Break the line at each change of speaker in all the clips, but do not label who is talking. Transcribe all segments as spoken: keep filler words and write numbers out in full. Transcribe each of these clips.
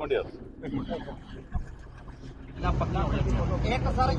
Minute ਯਾਰ
ਇੱਕ sir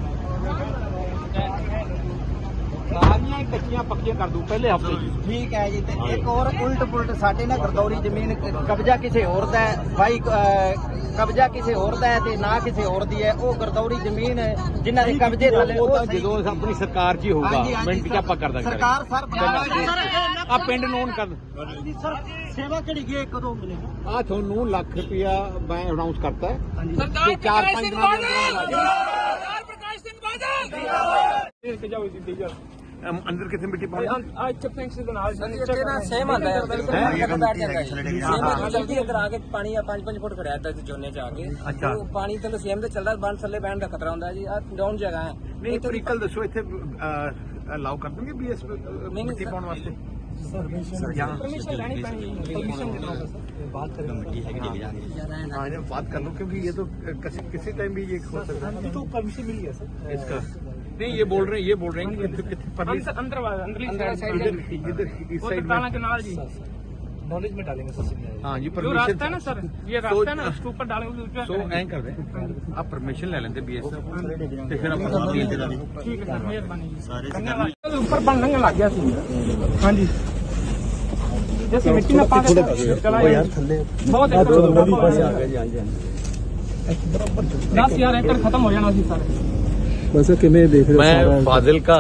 ਸਾਰੀਆਂ ਹੀ ਕੱਚੀਆਂ ਪੱਕੀਆਂ ਕਰ ਦੂ ਪਹਿਲੇ ਹਫਤੇ ਜੀ। ਠੀਕ ਹੈ ਜੀ। ਤੇ ਇੱਕ ਹੋਰ ਉਲਟ ਪੁਲਟ ਸਾਡੇ ਨਾਲ ਗਰਦੌਰੀ ਜ਼ਮੀਨ ਕਬਜ਼ਾ ਕਿਸੇ ਹੋਰ ਦਾ ਹੈ, ਬਾਈ ਕਬਜ਼ਾ ਕਿਸੇ ਹੋਰ ਦਾ ਹੈ ਤੇ ਨਾ ਕਿਸੇ ਹੋਰ ਦੀ ਹੈ। ਉਹ ਗਰਦੌਰੀ ਜ਼ਮੀਨ ਜਿਨ੍ਹਾਂ ਦੇ ਕਬਜ਼ੇ ਥੱਲੇ ਉਹ
ਜਦੋਂ ਆਪਣੀ ਸਰਕਾਰ 'ਚ ਹੀ ਹੋਊਗਾ ਮਿੰਟ 'ਚ ਆਪਾਂ ਕਰ ਦਾਂਗੇ।
ਸਰਕਾਰ ਸਰ
ਆ ਪਿੰਡ ਨੋਨ ਕਰ
ਸਰ ਸੇਵਾ ਕਿਹੜੀ ਗਈ ਕਦੋਂ ਮਿਲੇ
ਆ ਤੁਹਾਨੂੰ ਲੱਖ ਰੁਪਇਆ ਮੈਂ ਅਨਾਉਂਸ ਕਰਤਾ ਹੈ।
ਸਰਦਾਰ
ਚਾਰ
ਪ੍ਰਕਾਸ਼
ਪੰਜ
ਸਿੰਘ
ਦਿਨਾਂ
ਬਾਦਲ
ਦੇ
ਸਰਦਾਰ ਪ੍ਰਕਾਸ਼ ਸਿੰਘ ਬਾਦਲ
ਜਾਓ ਜੀ ਡੀਜਲ
ਅੰਦਰ ਕਿੱਥੇ ਮਿੱਟੀ ਪਾਣੀ
ਆ ਇੱਥੇ ਫੈਂਕਸ ਦੇ ਨਾਲ
ਇੱਥੇ ਨਾ ਸੇਮ ਆਂਦਾ ਹੈ ਬਿਲਕੁਲ ਬੈਠ ਜਾਂਦਾ ਹੈ। ਸੇਮ ਜਲਦੀ ਅੰਦਰ ਆ ਕੇ ਪਾਣੀ ਆ ਪੰਜ ਪੰਜ ਫੁੱਟ ਖੜਿਆ ਇੱਥੇ ਝੋਨੇ ਚ ਆ ਕੇ
ਅੱਛਾ।
ਉਹ ਪਾਣੀ ਥੱਲੇ ਸੇਮ ਤੇ ਚੱਲਦਾ ਬੰਨ ਥੱਲੇ ਬਹਿਣ ਦਾ ਖਤਰਾ ਹੁੰਦਾ ਜੀ। ਆ ਡਾਊਨ ਜਗ੍ਹਾ ਹੈ।
ਨਹੀਂ ਤਰੀਕਲ ਦੱਸੋ ਇੱਥੇ ਅਲਾਉ ਕਰ ਦੋਗੇ ਬੀਐਸ ਮਿੱਟੀ ਪਾਉਣ ਵਾਸਤੇ
परमिशन लेनी पड़ेगी परमिशन देना होगा सर बात करें मिट्टी है कि
हाँ ये बात कर लो क्योंकि ये तो किसी किसी टाइम भी ये हो सकता है।
तो परमिशन मिली है सर
इसका नहीं ये बोल रहे हैं ये बोल रहे हैं कि कितने परली
अंदर अंदर अंदरली साइड
इधर इधर इस साइड
ताला
में
के नाल जी नॉलेज में डालेंगे सर
हाँ जी
जो रास्ता है ना
परमिशन
सर ये रास्ता है ना उसके ऊपर डालेंगे
सो ऐं कर दें आप परमिशन ले लेंगे बीएस तो फिर आप
ठीक है सर मेहरबानी जी ऊपर बनने लग गया सी हाँ जी जैसे मिट्टी में पास चला यार थल्ले बहुत नदी पास आ गया जी हाँ जी दस हजार एकड़ खत्म हो जाना सी सारे
ਬਸ ਕਿਵੇਂ ਦੇਖ ਰਹੇ
ਮੈਂ ਫਾਜ਼ਿਲਕਾ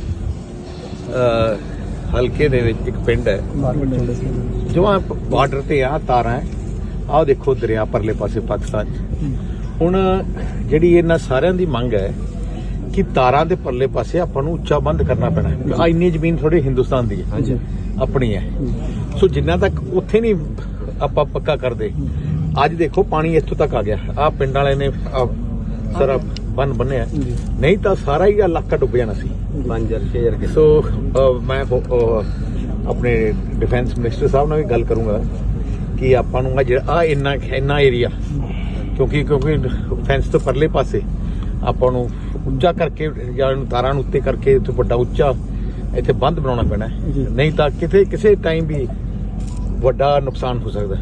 ਹਲਕੇ ਦੇ ਵਿੱਚ ਇੱਕ ਪਿੰਡ ਹੈ ਜੋ ਆ ਬਾਰਡਰ ਤੇ ਆ ਤਾਰਾਂ ਆਹ ਦੇਖੋ ਦਰਿਆ ਪਰਲੇ ਪਾਸੇ ਪਾਕਿਸਤਾਨ ਹੁਣ ਜਿਹੜੀ ਇਹਨਾਂ ਸਾਰਿਆਂ ਦੀ ਮੰਗ ਹੈ ਕਿ ਤਾਰਾਂ ਦੇ ਪਰਲੇ ਪਾਸੇ ਆਪਾਂ ਨੂੰ ਉੱਚਾ ਬੰਦ ਕਰਨਾ ਪੈਣਾ ਆ ਇੰਨੀ ਜ਼ਮੀਨ ਥੋੜੀ ਹਿੰਦੁਸਤਾਨ ਦੀ ਹੈ ਆਪਣੀ ਹੈ ਸੋ ਜਿੰਨਾ ਤੱਕ ਉੱਥੇ ਨਹੀਂ ਆਪਾਂ ਪੱਕਾ ਕਰਦੇ ਅੱਜ ਦੇਖੋ ਪਾਣੀ ਇੱਥੋਂ ਤੱਕ ਆ ਗਿਆ ਆ ਪਿੰਡ ਵਾਲੇ ਨੇ ਸਾਰਾ ਬੰਨ ਬੰਨਿਆ ਨਹੀਂ ਤਾਂ ਸਾਰਾ ਹੀ ਇਲਾਕਾ ਡੁੱਬ ਜਾਣਾ ਸੀ ਪੰਜ ਹਜ਼ਾਰ ਛੇ ਹਜ਼ਾਰ ਸੋ ਮੈਂ ਆਪਣੇ ਡਿਫੈਂਸ ਮਿਨਿਸਟਰ ਸਾਹਿਬ ਨਾਲ ਵੀ ਗੱਲ ਕਰੂੰਗਾ ਕਿ ਆਪਾਂ ਨੂੰ ਆ ਇੰਨਾ ਇੰਨਾ ਏਰੀਆ ਕਿਉਂਕਿ ਕਿਉਂਕਿ ਫੈਂਸ ਤੋਂ ਪਰਲੇ ਪਾਸੇ ਆਪਾਂ ਨੂੰ ਉੱਚਾ ਕਰਕੇ ਜਾਂ ਤਾਰਾਂ ਨੂੰ ਉੱਤੇ ਕਰਕੇ ਇੱਥੇ ਵੱਡਾ ਉੱਚਾ ਇੱਥੇ ਬੰਦ ਬਣਾਉਣਾ ਪੈਣਾ ਨਹੀਂ ਤਾਂ ਕਿਤੇ ਕਿਸੇ ਟਾਈਮ ਵੀ ਵੱਡਾ ਨੁਕਸਾਨ ਹੋ ਸਕਦਾ।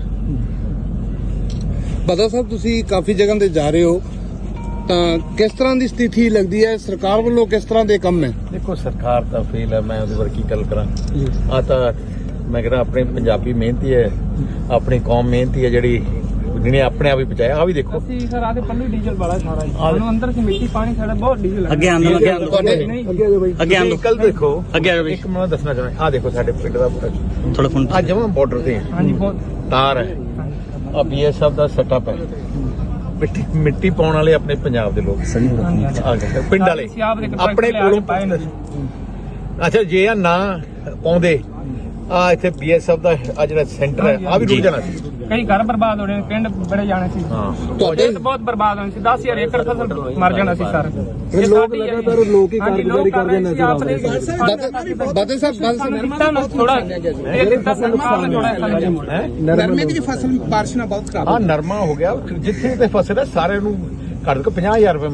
ਬਾਦਲ ਸਾਹਿਬ ਤੁਸੀਂ ਕਾਫੀ ਜਗ੍ਹਾ ਤੇ ਜਾ ਰਹੇ ਹੋ ਤਾਂ ਕਿਸ ਤਰ੍ਹਾਂ ਦੀ ਸਥਿਤੀ ਲੱਗਦੀ ਹੈ ਸਰਕਾਰ ਵੱਲੋਂ ਕਿਸ ਤਰ੍ਹਾਂ ਦੇ ਕੰਮ ਹੈ?
ਦੇਖੋ ਸਰਕਾਰ ਤਾਂ ਫੇਲ ਹੈ ਮੈਂ ਉਹਦੇ ਬਾਰੇ ਕੀ ਗੱਲ ਕਰਾਂ ਆ ਤਾਂ ਮੈਂ ਕਹਿੰਦਾ ਆਪਣੇ ਪੰਜਾਬੀ ਮਿਹਨਤੀ ਹੈ ਆਪਣੀ ਕੌਮ ਮਿਹਨਤੀ ਹੈ ਜਿਹੜੀ ਜਿਹਨੇ ਆਪਣੇ ਆਪ ਹੀ ਪਹੁੰਚਾਇਆ ਆ ਵੀ ਦੇਖੋ
ਅਸੀਂ ਸਰ ਆਦੇ ਪੱਲੂ ਡੀਜ਼ਲ ਵਾਲਾ ਸਾਰਾ ਸਾਨੂੰ ਅੰਦਰ ਸੇ ਮਿੱਟੀ ਪਾਣੀ ਸਾਡਾ ਬਹੁਤ ਡੀਜ਼ਲ
ਅੱਗੇ ਆਂਦੋ ਅੱਗੇ ਆਂਦੋ
ਅੱਗੇ ਆ ਜਾਓ ਬਾਈ
ਅੱਗੇ ਆਂਦੋ
ਕੱਲ ਦੇਖੋ
ਅੱਗੇ ਆ ਜਾਓ
ਇੱਕ ਮੈਂ ਦੱਸਣਾ ਚਾਹੁੰਦਾ ਆ ਦੇਖੋ ਸਾਡੇ ਪਿੰਡ ਦਾ
ਥੋੜਾ ਫੋਨ
ਆ ਜਮਾਂ ਬਾਰਡਰ ਤੇ
हाँ जी बहुत
ਤਾਰ ਹੈ ਆ ਬੀਐਸਐਫ ਦਾ ਸੈਟਅਪ ਹੈ ਮਿੱਟੀ ਮਿੱਟੀ ਪਾਉਣ ਵਾਲੇ ਆਪਣੇ ਪੰਜਾਬ ਦੇ ਲੋਕ ਆ ਗਏ ਪਿੰਡ ਵਾਲੇ ਆਪਣੇ ਕੋਲੋਂ ਅੱਛਾ ਜੇ ਆ ਨਾ ਪਾਉਂਦੇ ਆ ਇੱਥੇ ਬੀਐਸਐਫ ਦਾ ਆ ਜਿਹੜਾ ਸੈਂਟਰ ਹੈ ਆ ਵੀ ਰੁਕ ਜਾਣਾ ਸੀ
ਕਈ ਘਰ ਬਰਬਾਦ ਹੋ ਰਹੇ ਨੇ ਪਿੰਡ ਬੜੇ ਜਾਣੇ ਸੀ
ਹਾਂ
ਤੁਹਾਡੇ
ਬਹੁਤ ਬਰਬਾਦ ਹੋਣੇ ਸੀ ਦਸ ਹਜ਼ਾਰ ਏਕੜ ਫਸਲ ਮਰ ਜਾਣਾ ਸੀ ਸਰ
ਇਹ ਲੋਕ ਲਗਾਤਾਰ ਲੋਕ ਹੀ ਕਾਰਗੁਜ਼ਾਰੀ ਕਰਦੇ ਨਜ਼ਰ ਆ ਰਹੇ ਬਾਦਲ ਸਾਹਿਬ ਬਾਦਲ ਸਾਹਿਬ
ਥੋੜਾ ਇਹ ਦਿੱਤਾ ਸਰਕਾਰ ਨੇ ਥੋੜਾ
ਨਰਮੇ ਦੀ ਫਸਲ ਬਾਰਿਸ਼ ਨਾਲ ਬਹੁਤ ਖਰਾਬ
ਆ ਨਰਮਾ ਹੋ ਗਿਆ ਜਿੱਥੇ ਤੇ ਫਸਲ ਹੈ ਸਾਰਿਆਂ ਨੂੰ ਘੱਟ ਤੋਂ ਪੰਜਾਹ ਹਜ਼ਾਰ ਰੁਪਏ